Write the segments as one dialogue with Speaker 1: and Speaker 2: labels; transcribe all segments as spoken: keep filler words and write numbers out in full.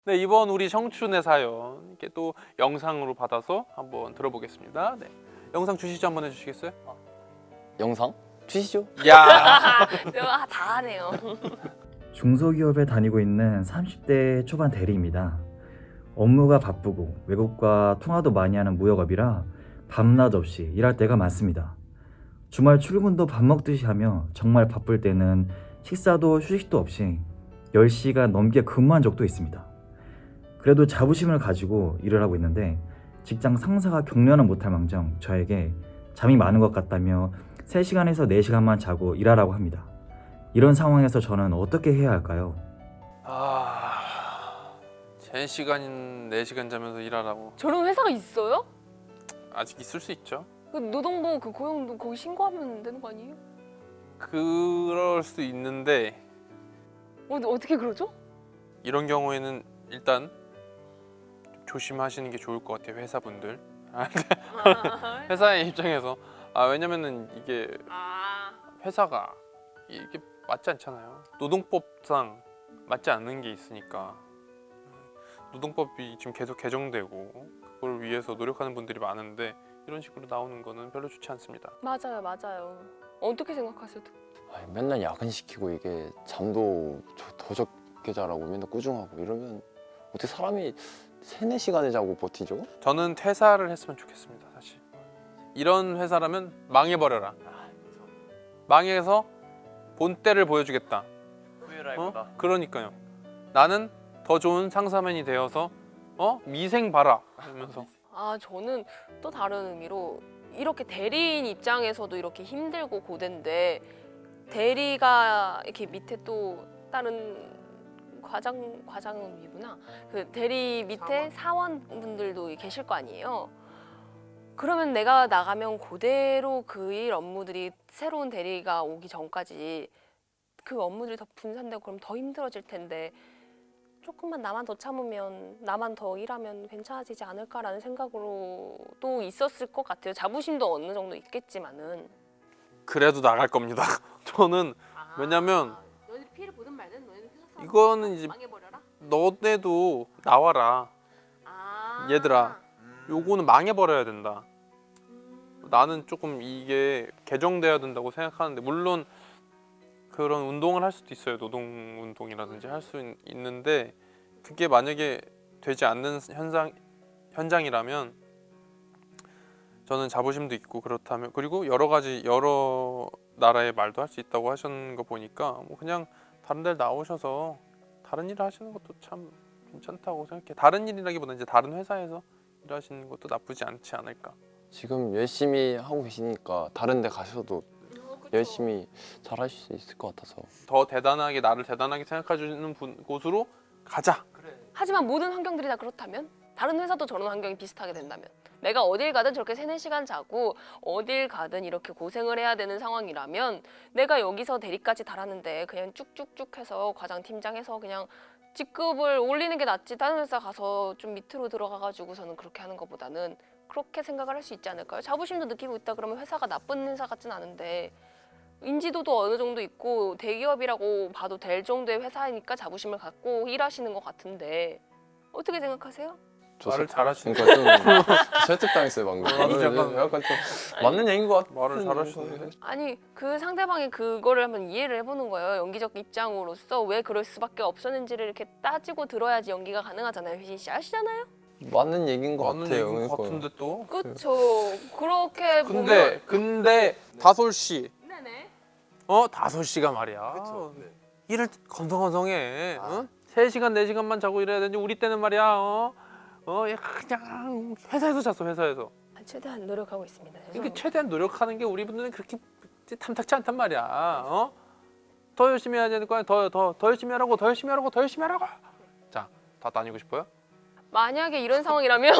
Speaker 1: 네, 이번 우리 청춘의 사연 이렇게 또 영상으로 받아서 한번 들어보겠습니다. 네, 영상 주시죠 한번 해주시겠어요?
Speaker 2: 영상? 주시죠.
Speaker 1: 야,
Speaker 3: 내가 다 하네요.
Speaker 4: 중소기업에 다니고 있는 삼십 대 초반 대리입니다. 업무가 바쁘고 외국과 통화도 많이 하는 무역업이라 밤낮 없이 일할 때가 많습니다. 주말 출근도 밥 먹듯이 하며 정말 바쁠 때는 식사도 휴식도 없이 열 시간 넘게 근무한 적도 있습니다. 그래도 자부심을 가지고 일을 하고 있는데 직장 상사가 격려는 못할 망정 저에게 잠이 많은 것 같다며 세 시간에서 네 시간만 자고 일하라고 합니다. 이런 상황에서 저는 어떻게 해야 할까요?
Speaker 1: 아, 세 시간, 네 시간 자면서 일하라고.
Speaker 3: 저런 회사가 있어요?
Speaker 1: 아직 있을 수 있죠.
Speaker 3: 그 노동부 그 고용도 거기 신고하면 되는 거 아니에요?
Speaker 1: 그럴 수 있는데
Speaker 3: 어, 어떻게 그러죠?
Speaker 1: 이런 경우에는 일단 조심하시는 게 좋을 것 같아요, 회사분들. 회사의 입장에서 아 왜냐면은 이게
Speaker 3: 아,
Speaker 1: 회사가 이게 맞지 않잖아요. 노동법상 맞지 않는 게 있으니까 노동법이 지금 계속 개정되고 그걸 위해서 노력하는 분들이 많은데 이런 식으로 나오는 거는 별로 좋지 않습니다.
Speaker 3: 맞아요, 맞아요. 어떻게 생각하세요?
Speaker 2: 아니, 맨날 야근시키고 이게 잠도 저- 더 적게 자라고 맨날 꾸중하고 이러면 어떻게 사람이 세네 시간을 자고 버티죠?
Speaker 1: 저는 퇴사를 했으면 좋겠습니다. 사실 이런 회사라면 망해버려라. 망해서 본때를 보여주겠다. 어? 그러니까요. 나는 더 좋은 상사맨이 되어서 어? 미생 봐라 하면서
Speaker 3: 아, 저는 또 다른 의미로 이렇게 대리인 입장에서도 이렇게 힘들고 고된데 대리가 이렇게 밑에 또 다른 과장 과장은 위구나. 그 대리 밑에 사원분들도 계실 거 아니에요. 그러면 내가 나가면 그대로 그 일 업무들이 새로운 대리가 오기 전까지 그 업무들이 더 분산되고 그럼 더 힘들어질 텐데 조금만 나만 더 참으면 나만 더 일하면 괜찮아지지 않을까라는 생각으로 또 있었을 것 같아요. 자부심도 어느 정도 있겠지만은.
Speaker 1: 그래도 나갈 겁니다. 저는 왜냐면
Speaker 3: 너희들 피해를 보든 말든 너희는 회사
Speaker 1: 이거는 이제
Speaker 3: 망해버려라.
Speaker 1: 너네도 나와라.
Speaker 3: 아.
Speaker 1: 얘들아. 요거는 망해버려야 된다. 나는 조금 이게 개정돼야 된다고 생각하는데 물론 그런 운동을 할 수도 있어요. 노동 운동이라든지 할 수 있는데 그게 만약에 되지 않는 현상 현장이라면 저는 자부심도 있고 그렇다면 그리고 여러 가지 여러 나라의 말도 할 수 있다고 하시는 거 보니까 뭐 그냥 다른 데 나오셔서 다른 일을 하시는 것도 참 괜찮다고 생각해. 다른 일이라기보다 이제 다른 회사에서 일하시는 것도 나쁘지 않지 않을까.
Speaker 2: 지금 열심히 하고 계시니까 다른 데 가셔도
Speaker 3: 어,
Speaker 2: 열심히 잘 하실 수 있을 것 같아서
Speaker 1: 더 대단하게 나를 대단하게 생각해 주는 분, 곳으로 가자.
Speaker 3: 하지만 모든 환경들이 다 그렇다면 다른 회사도 저런 환경이 비슷하게 된다면 내가 어딜 가든 저렇게 세네 시간 자고 어딜 가든 이렇게 고생을 해야 되는 상황이라면 내가 여기서 대리까지 달하는데 그냥 쭉쭉쭉 해서 과장 팀장 해서 그냥 직급을 올리는 게 낫지 다른 회사 가서 좀 밑으로 들어가가지고서는 그렇게 하는 것보다는 그렇게 생각을 할 수 있지 않을까요? 자부심도 느끼고 있다 그러면 회사가 나쁜 회사 같진 않은데 인지도도 어느 정도 있고 대기업이라고 봐도 될 정도의 회사이니까 자부심을 갖고 일하시는 것 같은데 어떻게 생각하세요?
Speaker 1: 말을 잘하시네.
Speaker 2: 그러니까 좀 설득당했어요 방금.
Speaker 1: 나도 약간-
Speaker 2: 약간 좀 맞는 얘기인 것 같아.
Speaker 1: 말을 잘하시는데.
Speaker 3: 아니 그 상대방이 그거를 한번 이해를 해보는 거예요. 연기적 입장으로서 왜 그럴 수밖에 없었는지를 이렇게 따지고 들어야지 연기가 가능하잖아요. 휘진 씨 아시잖아요?
Speaker 2: 맞는 얘기인 것
Speaker 1: 맞는
Speaker 2: 같아요.
Speaker 1: 얘기인 것
Speaker 2: 그러니까.
Speaker 1: 같은데 또.
Speaker 3: 그쵸. 그렇게
Speaker 1: 근데
Speaker 3: 보면
Speaker 1: 근데 다솔 씨,
Speaker 3: 네네.
Speaker 1: 어 다솔 씨가 말이야. 일을 건성건성해. 어? 세 시간 네 시간만 자고 일해야 되는데 우리 때는 말이야. 어, 어 야, 그냥 회사에서 잤어 회사에서.
Speaker 3: 최대한 노력하고 있습니다.
Speaker 1: 이게
Speaker 3: 죄송합니다.
Speaker 1: 최대한 노력하는 게 우리 분들은 그렇게 탐탁치 않단 말이야. 어? 더 열심히 해야 되는 거야. 더더 더 열심히 하라고, 더 열심히 하라고, 더 열심히 하라고. 자, 다 다니고 싶어요?
Speaker 3: 만약에 이런 상황이라면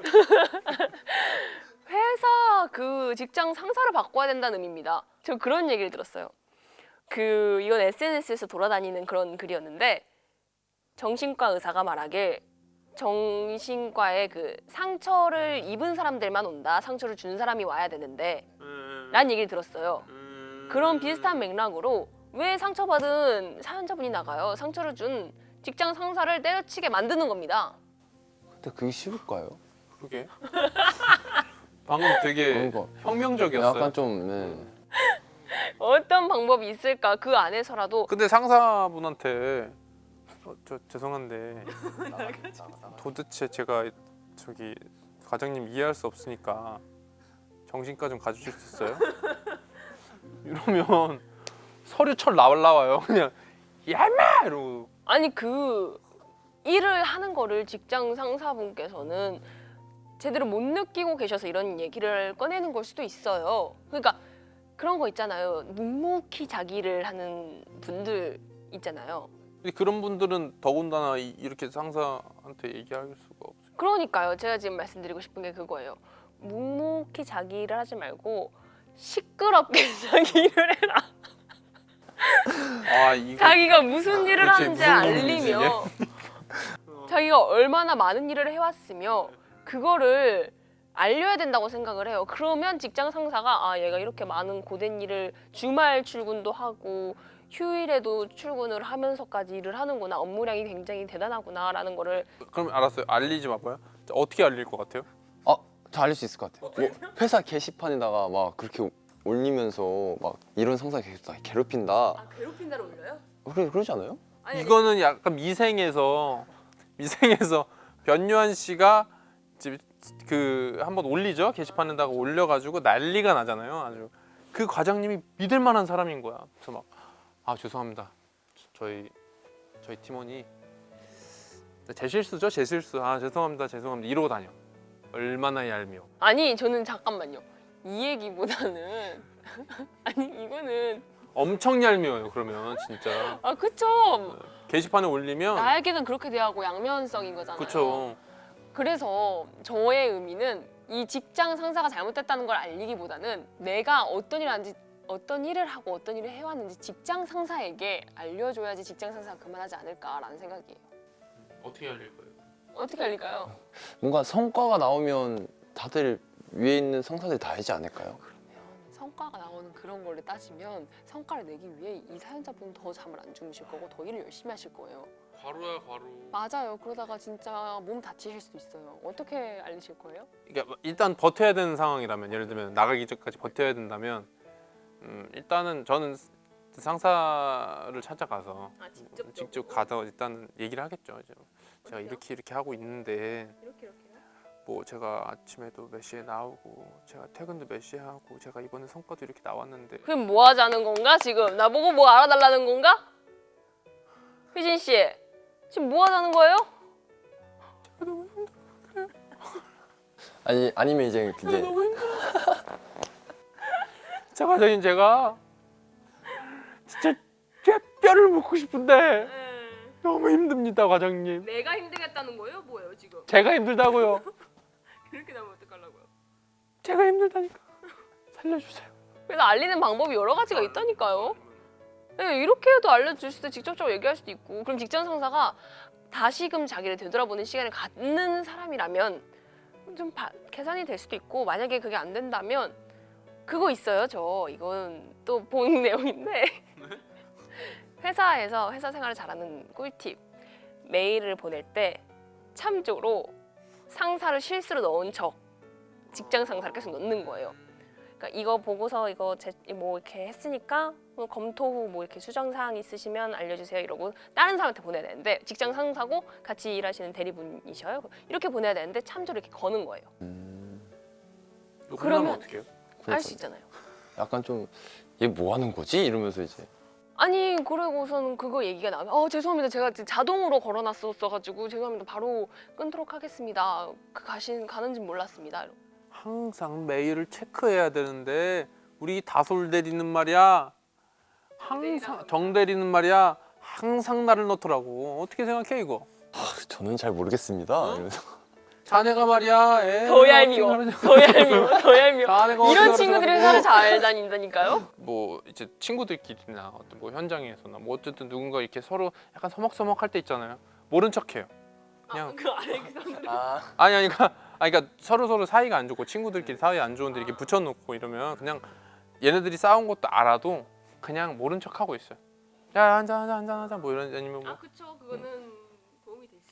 Speaker 3: 회사 그 직장 상사를 바꿔야 된다는 의미입니다. 저 그런 얘기를 들었어요. 그 이건 에스엔에스에서 돌아다니는 그런 글이었는데 정신과 의사가 말하길 정신과에 그 상처를 입은 사람들만 온다. 상처를 준 사람이 와야 되는데 라는 얘기를 들었어요. 그런 비슷한 맥락으로 왜 상처받은 사연자분이 나가요? 상처를 준 직장 상사를 때려치게 만드는 겁니다.
Speaker 2: 근데 그게 쉬울까요?
Speaker 1: 그게 방금 되게
Speaker 2: 그러니까
Speaker 1: 혁명적이었어요.
Speaker 2: 약간 좀 네.
Speaker 3: 어떤 방법이 있을까? 그 안에서라도
Speaker 1: 근데 상사분한테 어, 저 죄송한데 도대체 제가 저기 과장님 이해할 수 없으니까 정신과 좀 가주실 수 있어요? 이러면 서류 철 날라와요. 그냥 야마 이러고.
Speaker 3: 아니 그 일을 하는 거를 직장 상사분께서는 제대로 못 느끼고 계셔서 이런 얘기를 꺼내는 걸 수도 있어요. 그러니까 그런 거 있잖아요. 묵묵히 자기를 하는 분들 있잖아요.
Speaker 1: 근데 그런 분들은 더군다나 이- 이렇게 상사한테 얘기할 수가 없어요.
Speaker 3: 그러니까요. 제가 지금 말씀드리고 싶은 게 그거예요. 묵묵히 자기 일을 하지 말고 시끄럽게 자기 일을 해라.
Speaker 1: 아 이거
Speaker 3: 자기가 무슨 일을
Speaker 1: 그치,
Speaker 3: 하는지
Speaker 1: 무슨 고민이지,
Speaker 3: 알리며 자기가 얼마나 많은 일을 해왔으며 그거를 알려야 된다고 생각을 해요. 그러면 직장 상사가 아 얘가 이렇게 많은 고된 일을 주말 출근도 하고 휴일에도 출근을 하면서까지 일을 하는구나. 업무량이 굉장히 대단하구나 라는 거를
Speaker 1: 그럼 알았어요. 알리지 마봐요. 자, 어떻게 알릴 것 같아요?
Speaker 2: 아, 저 알릴 수 있을 것 같아요. 뭐 회사 게시판에다가 막 그렇게 올리면서 막 이런 상사 계속 다 괴롭힌다.
Speaker 3: 아 괴롭힌다로 올려요?
Speaker 2: 그러, 그러지 않아요?
Speaker 1: 이거는 약간 미생에서 미생에서 변요한 씨가 이제 그 한번 올리죠. 게시판에다가 올려가지고 난리가 나잖아요. 아주 그 과장님이 믿을 만한 사람인 거야. 그래서 막 아 죄송합니다. 저희 저희 팀원이 제 실수죠, 제 실수. 아 죄송합니다, 죄송합니다. 이러고 다녀. 얼마나 얄미워.
Speaker 3: 아니 저는 잠깐만요. 이 얘기보다는 아니 이거는
Speaker 1: 엄청 얄미워요. 그러면 진짜
Speaker 3: 아 그쵸.
Speaker 1: 게시판에 올리면
Speaker 3: 나에게는 그렇게 대하고 양면성인 거잖아요.
Speaker 1: 그쵸.
Speaker 3: 그래서 저의 의미는 이 직장 상사가 잘못됐다는 걸 알리기보다는 내가 어떤 일을 하는지 어떤 일을 하고 어떤 일을 해왔는지 직장 상사에게 알려줘야지 직장 상사가 그만하지 않을까라는 생각이에요.
Speaker 1: 어떻게 알릴 거예요?
Speaker 3: 어떻게 알릴까요?
Speaker 2: 뭔가 성과가 나오면 다들 위에 있는 상사들이 다 알지 않을까요?
Speaker 3: 그러면 성과가 나오는 그런 거를 따지면 성과를 내기 위해 이 사연자분은 더 잠을 안 주무실 거고 더 일을 열심히 하실 거예요.
Speaker 1: 과로야 과로.
Speaker 3: 맞아요. 그러다가 진짜 몸 다치실 수도 있어요. 어떻게 알리실 거예요?
Speaker 1: 그러니까 일단 버텨야 되는 상황이라면 예를 들면 나가기 전까지 버텨야 된다면 음, 일단은 저는 상사를 찾아가서
Speaker 3: 아 직접
Speaker 1: 직접 가서 일단 얘기를 하겠죠. 이제 제가 이렇게 이렇게 하고 있는데
Speaker 3: 이렇게 이렇게요?
Speaker 1: 뭐 제가 아침에도 몇 시에 나오고 제가 퇴근도 몇 시에 하고 제가 이번에 성과도 이렇게 나왔는데
Speaker 3: 그럼 뭐 하자는 건가 지금? 나보고 뭐 알아달라는 건가? 휘진 씨 지금 뭐 하자는 거예요?
Speaker 2: 아니 아니면 이제 이제
Speaker 1: 자 과장님 제가 진짜 제 뼈를 묻고 싶은데 너무 힘듭니다 과장님.
Speaker 3: 내가 힘들겠다는 거예요? 뭐예요 지금?
Speaker 1: 제가 힘들다고요.
Speaker 3: 그렇게 나면 어떡하려고요?
Speaker 1: 제가 힘들다니까 살려주세요.
Speaker 3: 그래서 알리는 방법이 여러 가지가 있다니까요. 네, 이렇게 해도 알려줄 수도 직접적으로 얘기할 수도 있고 그럼 직장 상사가 다시금 자기를 되돌아보는 시간을 갖는 사람이라면 좀 바, 계산이 될 수도 있고 만약에 그게 안 된다면 그거 있어요 저 이건 또 본 내용인데 회사에서 회사 생활을 잘하는 꿀팁 메일을 보낼 때 참조로 상사를 실수로 넣은 척 직장 상사를 계속 넣는 거예요. 그러니까 이거 보고서 이거 제, 뭐 이렇게 했으니까 뭐 검토 후 뭐 이렇게 수정 사항 있으시면 알려주세요 이러고 다른 사람한테 보내야 되는데 직장 상사고 같이 일하시는 대리분이셔요. 이렇게 보내야 되는데 참조를 이렇게 거는 거예요.
Speaker 2: 음,
Speaker 3: 그러면-
Speaker 1: 어떻게 해요?
Speaker 3: 알 수 있잖아요.
Speaker 2: 약간 좀 얘 뭐 하는 거지? 이러면서 이제
Speaker 3: 아니 그러고서는 그거 얘기가 나면 어 죄송합니다 제가 지금 자동으로 걸어놨었어가지고 죄송합니다 바로 끊도록 하겠습니다 그 가신 가는지 몰랐습니다.
Speaker 1: 항상 메일을 체크해야 되는데 우리 다솔 대리는 말이야 항상 정 대리는 말이야 항상 나를 넣더라고. 어떻게 생각해 이거?
Speaker 2: 아, 저는 잘 모르겠습니다. 이러면서
Speaker 1: 자네가 말이야 애
Speaker 3: 더 얄미워 더 얄미워 더 얄미워
Speaker 1: 자네가
Speaker 3: 이런
Speaker 1: 어떻게
Speaker 3: 친구들이
Speaker 1: 그러더라고.
Speaker 3: 회사를 잘 다닌다니까요.
Speaker 1: 뭐 이제 친구들끼리나 어떤 뭐 현장에서나 뭐 어쨌든 누군가 이렇게 서로 약간 서먹서먹할 때 있잖아요. 모른 척해요. 그냥
Speaker 3: 그 알렉산드로
Speaker 2: 아,
Speaker 1: 아니 아니 그러니까 아니 그러니까 서로 서로 사이가 안 좋고 친구들끼리 사이 안 좋은데 이렇게 붙여놓고 이러면 그냥 얘네들이 싸운 것도 알아도 그냥 모른 척하고 있어요. 야 한잔 한잔 한잔 하자 뭐 이런 아니면 뭐
Speaker 3: 아 그쵸 그거는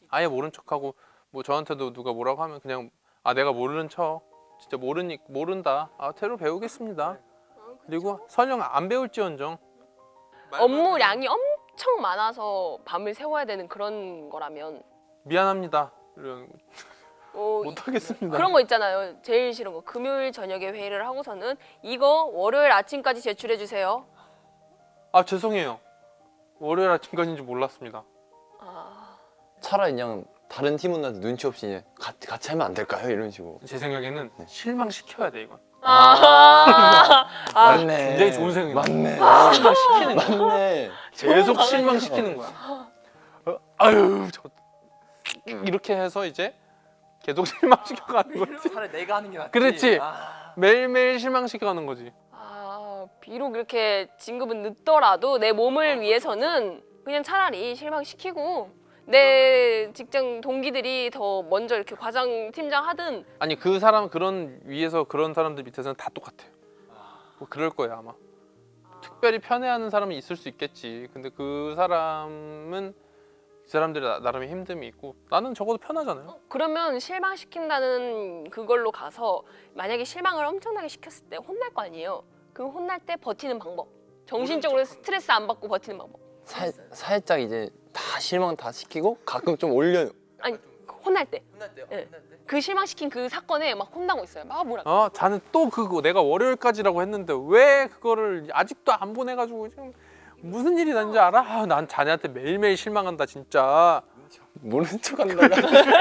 Speaker 1: 아예 모른 척하고 뭐 저한테도 누가 뭐라고 하면 그냥 아 내가 모르는 척 진짜 모르니 모른다 아 새로 배우겠습니다. 그리고 설령 안 배울지언정
Speaker 3: 업무량이 엄청 많아서 밤을 새워야 되는 그런 거라면
Speaker 1: 미안합니다. 이런
Speaker 3: 어,
Speaker 1: 못하겠습니다.
Speaker 3: 그런 거 있잖아요. 제일 싫은 거 금요일 저녁에 회의를 하고서는 이거 월요일 아침까지 제출해 주세요.
Speaker 1: 아 죄송해요. 월요일 아침까지인지 몰랐습니다.
Speaker 3: 아,
Speaker 2: 차라리 그냥 다른 팀원한테 눈치 없이 그냥 같이, 같이 하면 안 될까요? 이런 식으로.
Speaker 1: 제 생각에는 실망시켜야 돼 이건.
Speaker 3: 아, 아,
Speaker 2: 맞네.
Speaker 1: 굉장히 좋은 생각이네.
Speaker 2: 맞네.
Speaker 1: 실망시키는 거야.
Speaker 2: 맞네.
Speaker 1: 계속 실망시키는 거야. 어, 아유 저 이렇게 해서 이제 계속 실망시켜가는 거지.
Speaker 5: 차라리 내가 하는 게 낫지.
Speaker 1: 그렇지.
Speaker 5: 아,
Speaker 1: 매일매일 실망시켜가는 거지.
Speaker 3: 아, 비록 이렇게 진급은 늦더라도 내 몸을 위해서는 그냥 차라리 실망시키고 내 직장 동기들이 더 먼저 이렇게 과장 팀장 하든
Speaker 1: 아니 그 사람 그런 위에서 그런 사람들 밑에서는 다 똑같아요. 뭐 그럴 거야 아마. 특별히 편애하는 사람이 있을 수 있겠지. 근데 그 사람은 그 사람들이 나- 나름의 힘듦이 있고 나는 적어도 편하잖아요.
Speaker 3: 그러면 실망시킨다는 그걸로 가서 만약에 실망을 엄청나게 시켰을 때 혼날 거 아니에요. 그 혼날 때 버티는 방법. 정신적으로 스트레스 안 받고 버티는 방법.
Speaker 2: 살, 살짝 이제 다 실망 다 시키고 가끔 좀 올려.
Speaker 3: 아니 혼날 때.
Speaker 5: 혼날 때요?
Speaker 3: 예.
Speaker 5: 혼날 때?
Speaker 3: 그 실망시킨 그 사건에 막 혼나고 있어요. 막 뭐라.
Speaker 1: 어, 자는 또 그거 내가 월요일까지라고 했는데 왜 그거를 아직도 안 보내가지고 지금 무슨 일이 난지 알아? 아, 난 자네한테 매일매일 실망한다 진짜.
Speaker 2: 모르는 척 한다가.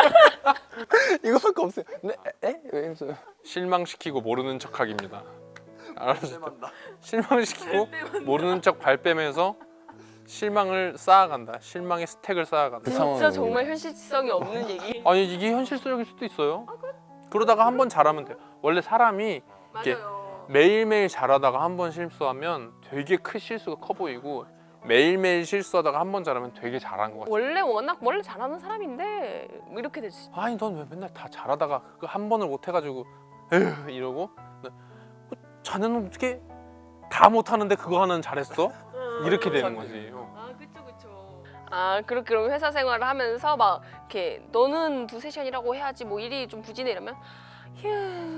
Speaker 2: 이거밖에 없어요. 네? 에? 왜 이러세요?
Speaker 1: 실망시키고 모르는 척하기입니다. 알았어.
Speaker 5: 쌤한다.
Speaker 1: 실망시키고 모르는 척 발뺌해서 실망을 쌓아간다. 실망의 스택을 쌓아간다.
Speaker 2: 그
Speaker 3: 진짜
Speaker 2: 상황이
Speaker 3: 정말 현실성이 없는 얘기.
Speaker 1: 아니 이게 현실적일 수도 있어요. 그러다가 한 번 잘하면 돼요. 원래 사람이 이렇게
Speaker 3: 맞아요.
Speaker 1: 매일매일 잘하다가 한 번 실수하면 되게 큰 실수가 커 보이고 매일매일 실수하다가 한 번 잘하면 되게 잘한 것 같아.
Speaker 3: 원래 워낙 원래 잘하는 사람인데 뭐 이렇게 되지.
Speaker 1: 아니 넌 왜 맨날 다 잘하다가 그 한 번을 못 해가지고 에휴 이러고 어, 자네는 어떻게 다 못하는데 그거 하나는 잘했어? 이렇게 되는 거지. 어.
Speaker 3: 아 그쵸 그쵸. 아 그렇게 그럼 회사 생활을 하면서 막 이렇게 너는 두세 시간이라고 해야지 뭐 일이 좀 부진해 이러면 휴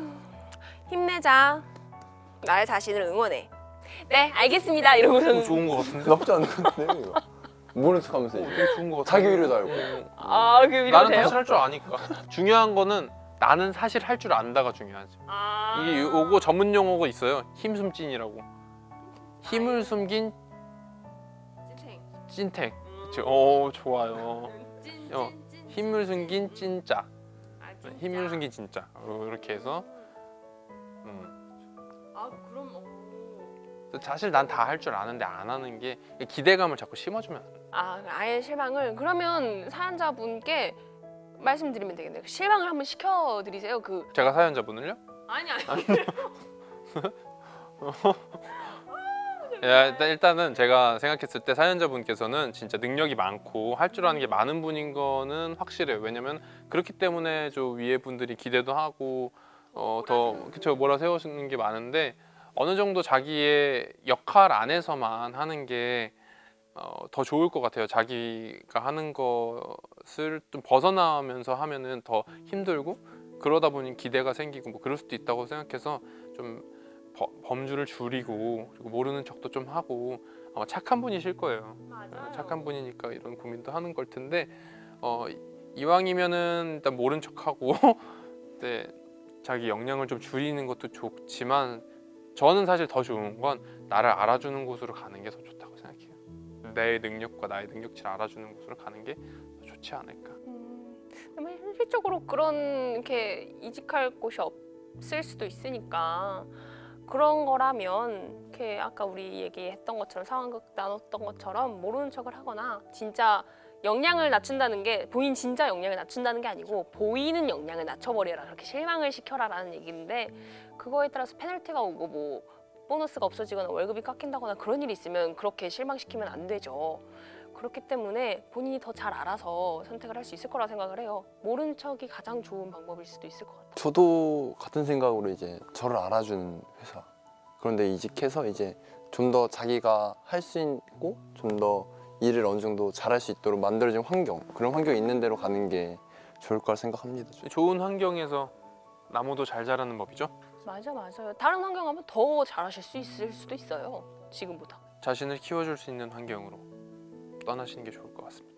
Speaker 3: 힘내자. 나의 자신을 응원해. 네 알겠습니다 이러고서는
Speaker 1: 좋은 것 같은데?
Speaker 2: 나쁘지 않은 건데 이거. 모르는 척 하면서 이제.
Speaker 1: 되게 좋은 것 같아.
Speaker 2: 자기 위로도 알고.
Speaker 3: 아그 위로
Speaker 1: 나는
Speaker 3: 돼요?
Speaker 1: 사실 할 줄 아니까. 중요한 거는 나는 사실 할 줄 안다가 중요하지.
Speaker 3: 아
Speaker 1: 이게 요거 전문 용어가 있어요. 힘숨찐이라고. 힘을 숨긴
Speaker 3: 찐탱.
Speaker 1: 찐택. 그쵸? 오 좋아요.
Speaker 3: 찐,
Speaker 1: 어,
Speaker 3: 찐, 찐,
Speaker 1: 힘을 숨긴 찐짜.
Speaker 3: 아, 진짜?
Speaker 1: 힘을 숨긴 진짜. 어, 이렇게 해서. 음.
Speaker 3: 아 그럼 어.
Speaker 1: 사실 난 다 할 줄 아는데 안 하는 게 기대감을 자꾸 심어주면 안 돼.
Speaker 3: 아 아예 실망을 그러면 사연자분께 말씀드리면 되겠네요. 실망을 한번 시켜드리세요. 그
Speaker 1: 제가 사연자분을요?
Speaker 3: 아니 아니.
Speaker 1: 야, 일단, 일단은 제가 생각했을 때 사연자분께서는 진짜 능력이 많고 할 줄 아는 게 많은 분인 거는 확실해요. 왜냐면 그렇기 때문에 저 위에 분들이 기대도 하고 어, 더 그쵸 몰아 세우시는 게 많은데 어느 정도 자기의 역할 안에서만 하는 게 어, 더 좋을 것 같아요. 자기가 하는 것을 좀 벗어나면서 하면은 더 힘들고 그러다 보니 기대가 생기고 뭐 그럴 수도 있다고 생각해서 좀 버, 범주를 줄이고 그리고 모르는 척도 좀 하고 아마 착한 분이실 거예요. 어, 착한 분이니까 이런 고민도 하는 걸 텐데 어, 이왕이면은 일단 모른 척하고 네, 자기 역량을 좀 줄이는 것도 좋지만 저는 사실 더 좋은 건 나를 알아주는 곳으로 가는 게 더 좋다고 생각해요. 내 능력과 나의 능력치를 알아주는 곳으로 가는 게 더 좋지 않을까.
Speaker 3: 음, 그러면 현실적으로 그런 이렇게 이직할 곳이 없을 수도 있으니까 그런 거라면 이렇게 아까 우리 얘기했던 것처럼 상황극 나눴던 것처럼 모르는 척을 하거나 진짜 역량을 낮춘다는 게 본인 진짜 역량을 낮춘다는 게 아니고 보이는 역량을 낮춰버려라 그렇게 실망을 시켜라라는 얘기인데 그거에 따라서 페널티가 오고 뭐 보너스가 없어지거나 월급이 깎인다거나 그런 일이 있으면 그렇게 실망시키면 안 되죠. 그렇기 때문에 본인이 더 잘 알아서 선택을 할 수 있을 거라 생각을 해요. 모른 척이 가장 좋은 방법일 수도 있을 것 같아요.
Speaker 2: 저도 같은 생각으로 이제 저를 알아주는 회사. 그런데 이직해서 이제 좀 더 자기가 할 수 있고 좀 더 일을 어느 정도 잘할 수 있도록 만들어진 환경, 그런 환경이 있는 데로 가는 게 좋을 거라 생각합니다. 저는.
Speaker 1: 좋은 환경에서 나무도 잘 자라는 법이죠.
Speaker 3: 맞아 맞아요. 다른 환경 하면 더 잘하실 수 있을 수도 있어요. 지금보다.
Speaker 1: 자신을 키워줄 수 있는 환경으로 떠나시는 게 좋을 것 같습니다.